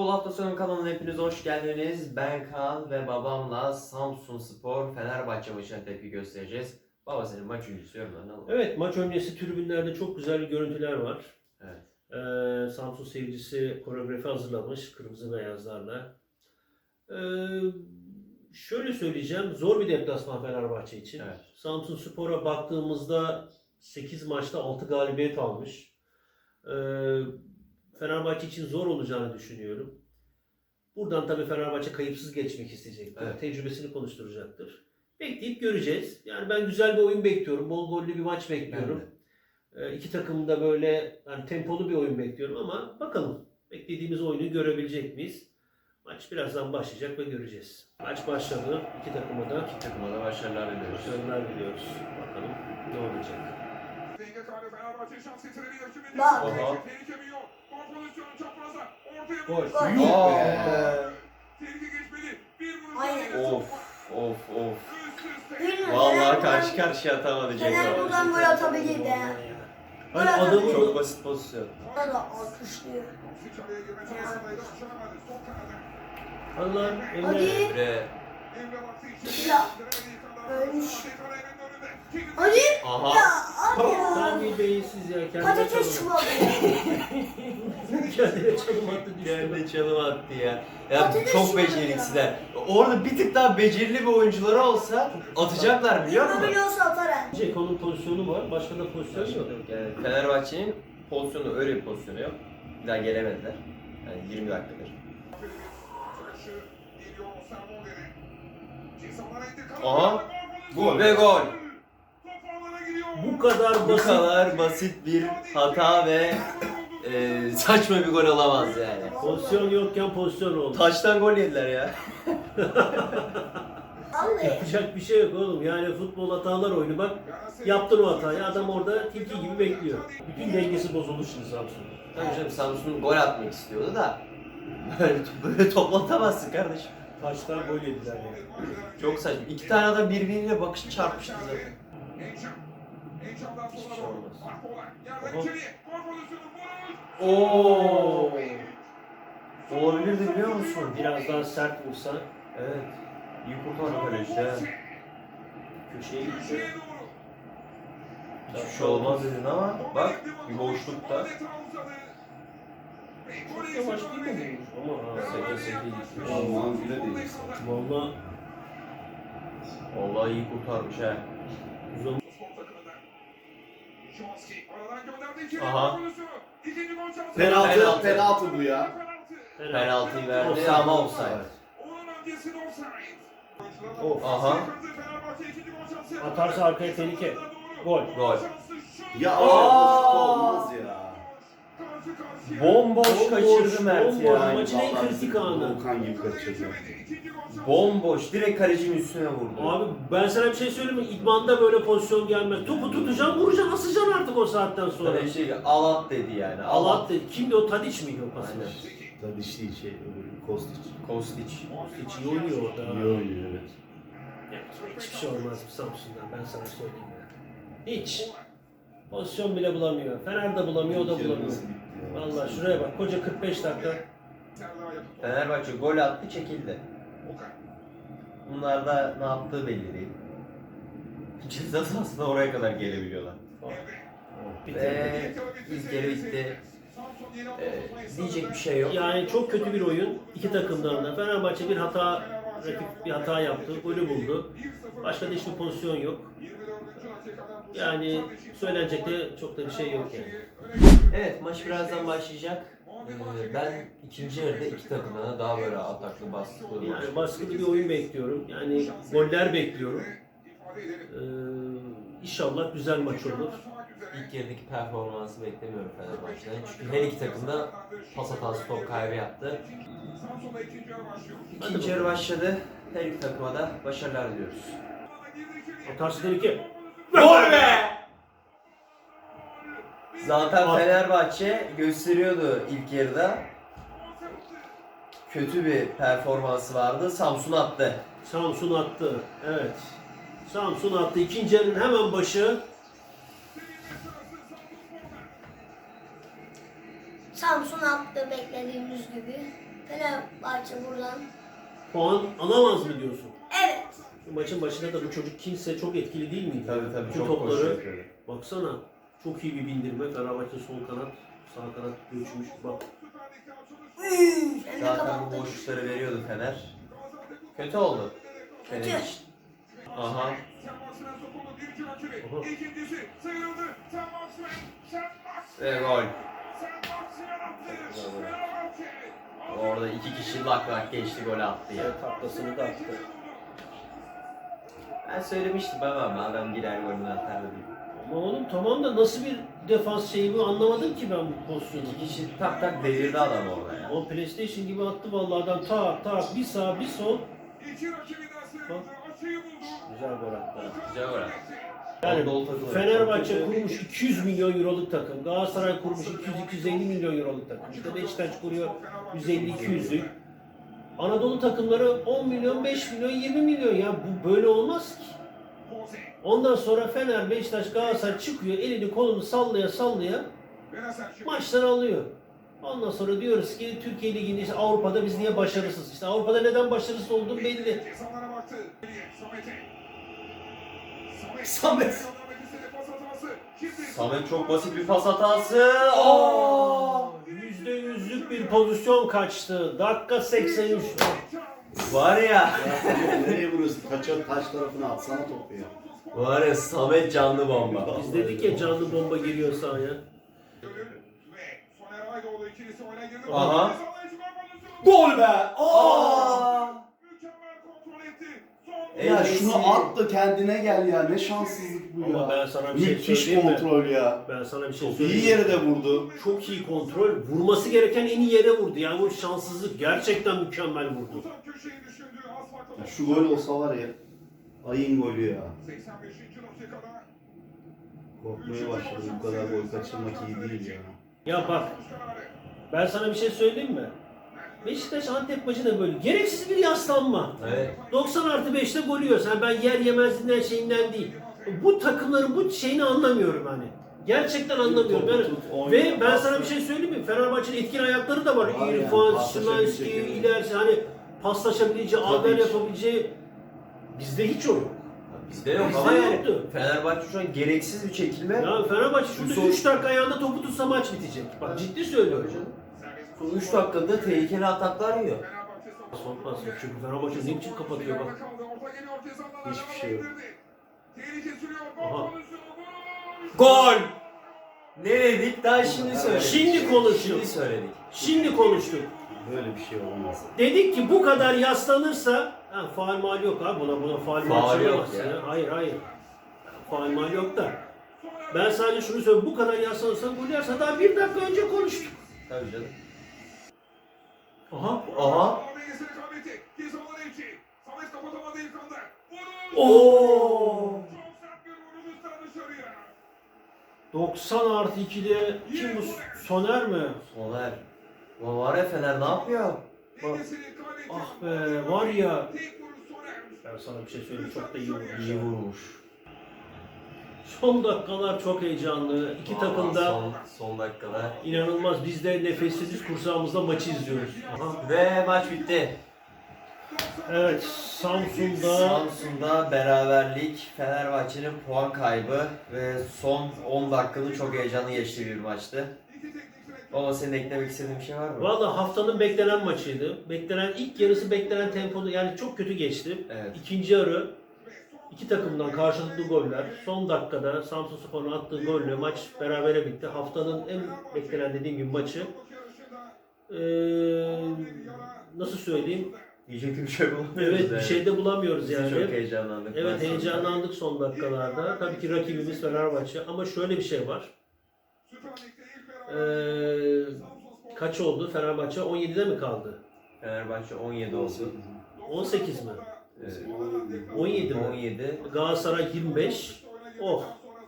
Futbol Hafta Sonu kanalına hepiniz hoş geldiniz. Ben Kaan ve babamla Samsunspor Fenerbahçe maçına tepki göstereceğiz. Baba senin maç öncesi yorumlarını alalım. Evet, maç öncesi tribünlerde çok güzel görüntüler var. Evet. Samsun seyircisi koreografi hazırlamış kırmızı beyazlarla. Şöyle söyleyeceğim, zor bir deplasman Fenerbahçe için. Evet. Samsunspor'a baktığımızda 8 maçta 6 galibiyet almış. Fenerbahçe için zor olacağını düşünüyorum. Buradan tabii Fenerbahçe kayıpsız geçmek isteyecektir. Evet. Tecrübesini konuşturacaktır. Bekleyip göreceğiz. Yani ben güzel bir oyun bekliyorum. Bol gollü bir maç bekliyorum. İki takım da böyle yani tempolu bir oyun bekliyorum ama bakalım beklediğimiz oyunu görebilecek miyiz? Maç birazdan başlayacak ve göreceğiz. Maç başladı. İki takıma da Başarılar diliyoruz. başarılar diliyoruz. Bakalım ne olacak. Bak. Oha. Gol. Gol. Aynen. Of. Bilmiyorum, Vallahi Fener karşı buradan- karşıya atamadı Fener Cenk buradan gol abi. atabilirdi. Hani Gol adamı Çok basit pozisyon. Burada da alkışlıyor. Allah Hadi. Emre. Ya. Ölmüş. Hadi. Aha. Ya abi ya. tam bir beyinsiz ya. Kendine Patates çalım. çuvalı. Kendine çalım attı düştü. Yerine çalım attı ya. Ya Patates çok çuvalı beceriksizler. Orada bir tık daha becerili bir oyuncuları olsa atacaklar biliyor musun? Biliyorsa atar ha. Ceko'nun pozisyonu var. Başka da pozisyon yok. Yani Fenerbahçe'nin pozisyonu öyle bir pozisyonu yok. Bir daha gelemediler. Yani 20 dakikadır. Aha. Bu ve gol. Bu kadar Bu basit. kadar basit bir hata ve saçma bir gol olamaz yani. Pozisyon yokken pozisyon oldu. Taştan gol yediler ya. Vallahi. Yapacak bir şey yok oğlum. Yani futbol hatalar oyunu bak. Yaptın o hatayı. Adam orada tilki gibi bekliyor. Bütün dengesi bozuldu şimdi Samsun'un. Tabii canım Samsun gol atmak istiyordu da böyle toplatamazsın kardeşim. Taştan gol yediler yani. Çok saçma. İki tane adam birbiriyle bakış çarpıştı zaten. Hiçbir şey olmaz. Oo. Olabilirdi biliyor musun? Biraz daha sert vursa Evet. İyi kurtardı kaleci de. köşeye gitti. Hiçbir şey olmaz dedin ama bak bir boşlukta. Çok yavaş değil mi bu? Ama ha. Seke seke gitmiş. Allah'ın bile değil. Valla Vallahi iyi kurtarmış ha. uzun. Aha. Penaltı bu ya. Penaltıyı verdi Offside. ama offside. Of. Aha. Atarsa arkaya tehlike. Gol. Gol. Ya Aa! şut olmaz ya. Bomboş kaçırdı Mert bomboş. ya. Maçın en kritik anı. Volkan gibi kaçırdı. Bomboş. Direkt kalecinin üstüne vurdu. Abi ben sana bir şey söyleyeyim mi? İdmanda böyle pozisyon gelmez. Topu tutacaksın, vuracaksın, asacaksın artık o saatten sonra. Sonra şey alat dedi yani. Alat dedi. Kimdi o? Tadiç miydi o pasını? Aynen. Tabii işte Kostić. Kostić. Hiç iyi oynuyor orada. İyi oynuyor evet. Yani hiçbir şey olmaz bu Samsun'dan ben sana söyleyeyim ya. Hiç. Pozisyon bile bulamıyor. Fener de bulamıyor, o da bulamıyor. Vallahi şuraya bak. Koca 45 dakika. Fenerbahçe gol attı çekildi. Bunlar da ne yaptığı belli değil. Ceza sahasına oraya kadar gelebiliyorlar. Ve ilk yarı bitti. Diyecek bir şey yok. Yani çok kötü bir oyun. İki takımdan da. Fenerbahçe bir hata, rakip bir hata yaptı. Golü buldu. Başka da hiçbir pozisyon yok. Yani söylenecek de çok da bir şey yok yani. Evet maç birazdan başlayacak. Ben ikinci yarıda iki takımdan da daha böyle ataklı baskılı bir maç. Yani baskılı bir oyun bekliyorum. Yani goller bekliyorum. İnşallah güzel maç olur. İlk yarıdaki performansı beklemiyorum Fenerbahçe'den. Çünkü her iki takım da pas hatası top kaybı yaptı. İkinci yarı başladı. Her iki takıma da başarılar diliyoruz. Atarsın tehlike. Gol be! Zaten Fenerbahçe gösteriyordu ilk yarıda. Kötü bir performansı vardı. Samsun attı. Samsun attı. Evet. Samsun attı. İkinci yarının hemen başı. Samsun attı beklediğimiz gibi. Fenerbahçe buradan. Puan alamaz mı diyorsun? Evet. Maçın başında da bu çocuk kimse çok etkili değil miydi? Tabii Bütün çok topları koşu yapıyor. baksana. Çok iyi bir bindirme. Fenerbahçe sol kanat, sağ kanat göçmüş. Bak. Sen de Zaten bu kapattın. boşlukları veriyordu Fener. Kötü oldu. Kötü. Fener için. Aha. Ve gol. Orada iki kişi lak lak geçti, gol attı ya. Taklasını da attı. Ben söylemiştim ama adam girer golünü atar diye. Ama oğlum tamam da nasıl bir defans şeyi bu anlamadım ki ben bu pozisyonu. İki kişi tak tak devirdi adam orada ya. O PlayStation gibi attı vallahi adam tak tak bir sağ bir sol. Güzel gol attı. Güzel gol attı. Yani Anadolu takımı. Fenerbahçe kurmuş 200 milyon euroluk takım. Galatasaray kurmuş 200-250 milyon euroluk takım. İşte Beşiktaş kuruyor 150-200'lük. Anadolu takımları 10 milyon, 5 milyon, 20 milyon ya bu böyle olmaz ki. Ondan sonra Fener, Beşiktaş, Galatasaray çıkıyor elini kolunu sallaya sallaya maçları alıyor. Ondan sonra diyoruz ki Türkiye Ligi'nde işte Avrupa'da biz niye başarısız? İşte Avrupa'da neden başarısız olduğum belli. Samet. Samet çok basit bir pas hatası. Oo! %100'lük bir pozisyon kaçtı. Dakika 83. Var ya. Nereye vuruyorsun? Taş tarafına atsana topu ya. Var ya Samet canlı bomba. Biz dedik ya canlı bomba giriyor sahaya. Aha. Gol be. Aa! Ya şunu at da kendine gel ya. Ne şanssızlık bu Ama ya. ben sana bir şey Müthiş söyleyeyim mi? kontrol ya. Ben sana bir şey Çok söyleyeyim. iyi yere de vurdu. Çok iyi kontrol. Vurması gereken en iyi yere vurdu. Yani bu şanssızlık gerçekten mükemmel vurdu. Ya şu gol olsa var ya. Ayın golü ya. Korkmaya başladım. Bu kadar gol kaçırmak iyi değil ya. Ya bak ben sana bir şey söyleyeyim mi? Beşiktaş Antep maçı da böyle. Gereksiz bir yaslanma. Evet. 90+5'te gol yiyorsun. Yani ben yer yemezliğinden şeyinden değil. Bu takımların bu şeyini anlamıyorum hani. Gerçekten anlamıyorum. Yani, ve ben sana bir şey söyleyeyim mi? Fenerbahçe'nin etkili ayakları da var. Var yani, İrfan, paslaşabilecek Şimanski, yani. ilerisi hani paslaşabileceği, Tabii haber ki. yapabileceği bizde hiç o yok. Bizde yok Bizde ama yani yoktu. Fenerbahçe şu an gereksiz bir çekilme. Ya Fenerbahçe şurada Son- 3 dakika ayağında topu tutsa maç bitecek. Bak ciddi söylüyorum. Son 3 dakikada tehlikeli ataklar yiyor. Son pas yok. Çünkü Fenerbahçe ne biçim kapatıyor bak. Hiçbir şey yok. Aha. Gol! Ne dedik? Daha şimdi söyledik. Şimdi konuşuyor. Şimdi söyledik. Şimdi konuştuk. Böyle bir şey olmaz. Dedik ki bu kadar yaslanırsa ha, faul mal yok abi buna faul mal Faul yok çalamazsın ya. ya. Hayır. Faul mal yok da. Ben sadece şunu söylüyorum. Bu kadar yaslanırsa gol yerse daha 1 dakika önce konuştuk. Tabii canım. Aha. Aha. Oo. 90+2'de kim bu? Soner mi? Soner. Ulan var ya Fener ne yapıyor? Bak. Ah be var ya. Ben sana bir şey söyleyeyim çok da iyi vurmuş. İyi vurmuş. Son dakikalar çok heyecanlı. İki takım da Son dakikada. inanılmaz. Biz de nefessiz kursağımızda maçı izliyoruz. Aha. Ve maç bitti. Evet, Samsun'da Samsun'da beraberlik, Fenerbahçe'nin puan kaybı ve son 10 dakikanın çok heyecanlı geçtiği bir maçtı. Baba senin eklemek istediğin bir şey var mı? valla haftanın beklenen maçıydı. Beklenen ilk yarısı beklenen tempoda yani çok kötü geçti. Evet. İkinci yarı iki takımdan karşılıklı goller. Son dakikada Samsunspor'un attığı golle maç berabere bitti. Haftanın en beklenen dediğim gibi maçı. Nasıl söyleyeyim? Diyecek bir şey bulamıyoruz. Evet bir yani. şey de bulamıyoruz Biz yani. Çok heyecanlandık. Evet Ben heyecanlandık son dakikalarda. Tabii ki rakibimiz Fenerbahçe ama şöyle bir şey var. Kaç oldu? Fenerbahçe 17'de mi kaldı? Fenerbahçe 17 oldu. 18 mi? Evet. 17 mi? 17. Galatasaray 25. Oh.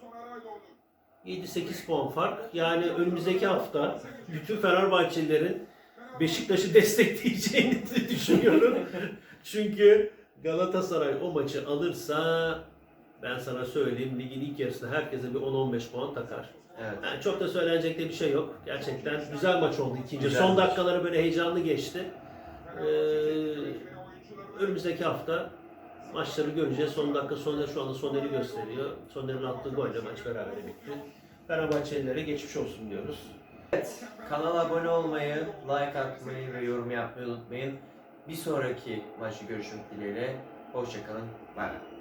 7-8 puan fark. Yani önümüzdeki hafta bütün Fenerbahçelilerin Beşiktaş'ı destekleyeceğini düşünüyorum. Çünkü Galatasaray o maçı alırsa ben sana söyleyeyim ligin ilk yarısında herkese bir 10-15 puan takar. Evet. Yani çok da söylenecek de bir şey yok. Gerçekten güzel maç oldu ikinci. Güzel Son maç. dakikaları böyle heyecanlı geçti. Önümüzdeki hafta maçları göreceğiz. Son dakika Soner şu anda Soner'i gösteriyor. Soner'in attığı golle maç berabere bitti. Fenerbahçelilere geçmiş olsun diyoruz. Kanala abone olmayı, like atmayı ve yorum yapmayı unutmayın. Bir sonraki maçı görüşmek dileğiyle. Hoşçakalın. Bay bay.